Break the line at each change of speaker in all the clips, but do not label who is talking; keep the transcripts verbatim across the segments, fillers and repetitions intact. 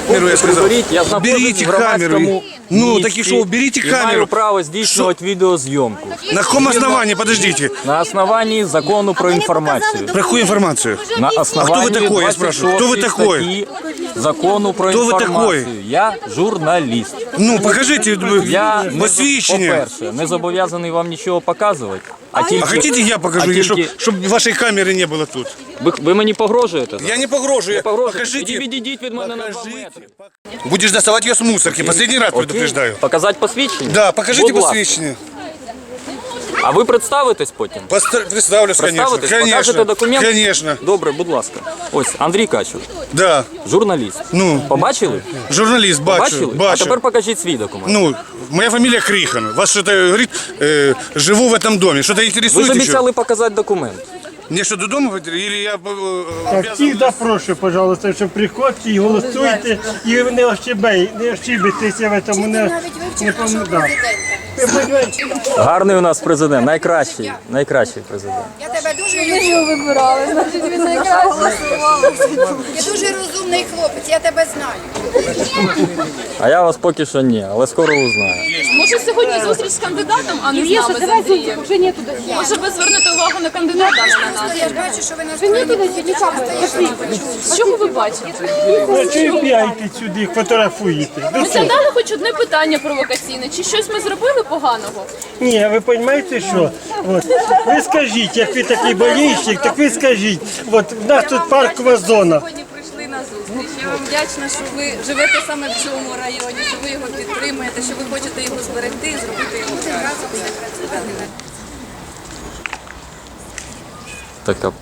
камеру, я сказал.
Я знаходжусь
Уберите
в громадському
камеру. Ну,
місці
так и что, уберите
і маю
камеру.
право здійснювати відеозйомку.
На каком основании, подождите?
На основании закону про информацию.
Про какую информацию?
На основании
А кто вы такой, я спрашиваю? Кто вы такой?
статьи закону про
Кто вы
информацию.
такой?
Я журналіст.
Ну, покажите
Я, не,
посвящение.
по-перше, не зобов'язаний вам нічого показувати. А, тільки,
А хотите я покажу,
а
чтобы
тільки-
вашей камеры не было тут?
ви, ви мені погрожуєте?
Я не погрожую.
Не погрожуєте?
Покажите.
Тоді відійдіть від мене на два
Покажите.
метри.
Будешь доставать ее с мусорки, последний раз предупреждаю.
Показати посвідчення?
Да, покажите
Будь ласка.
посвящение.
А ви представитесь потім?
Постар- Представлюсь, конечно.
Представитесь?
Конечно.
Покажете документ?
Конечно.
Добре, будь ласка. Ось, Андрій Качур,
Да.
журналіст.
Ну.
Побачили?
Журналист, бачу,
Побачили? А
бачу.
тепер покажіть свій документ.
Ну, моя фамилия Крихан. Вас что-то говорит, э, живу в этом доме. Что-то
Ви ж
интересует еще?
обіцяли показати документ.
Мне что, до дома говорите? Или я... э,
Так,
обязан-
всіх запрошую, пожалуйста, що приходьте і голосуйте, і не ощебей, не ощебитеся в цьому, не, не помогайте.
Гарний у нас президент, найкращий, найкращий президент.
Я тебе дуже
Ми
люблю.
його вибирали, значить він найкраще.
Ти дуже розумний хлопець, я тебе знаю.
А я вас поки що ні, але скоро узнаю.
Може сьогодні зустріч з кандидатом, а не з нами, з Андрієм?
Вже нету досі.
Може ви звернете увагу на кандидата, а не на нас?
Я ж бачу, що ви нас
Нету досі, нічого.
Що ви бачите?
Ну, чого п'яйте сюди, фотографуєте?
Ми задали хоч одне питання провокаційне, чи щось ми зробили поганого?
Ні, ви розумієте, що? От, ви скажіть, як ви такий болельщик, так ви скажіть, от, в нас тут паркова зона.
Сьогодні прийшли на зустріч. Я вам вдячна, що ви живете саме в цьому районі, що ви його підтримуєте, що ви хочете його зберегти і зробити його кращим.
Така.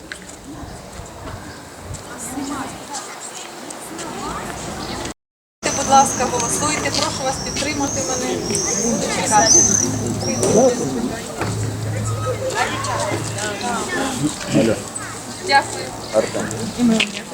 Будь ласка, голосуйте, прошу вас підтримати мене. Буду чекати. Дякую.
Артем.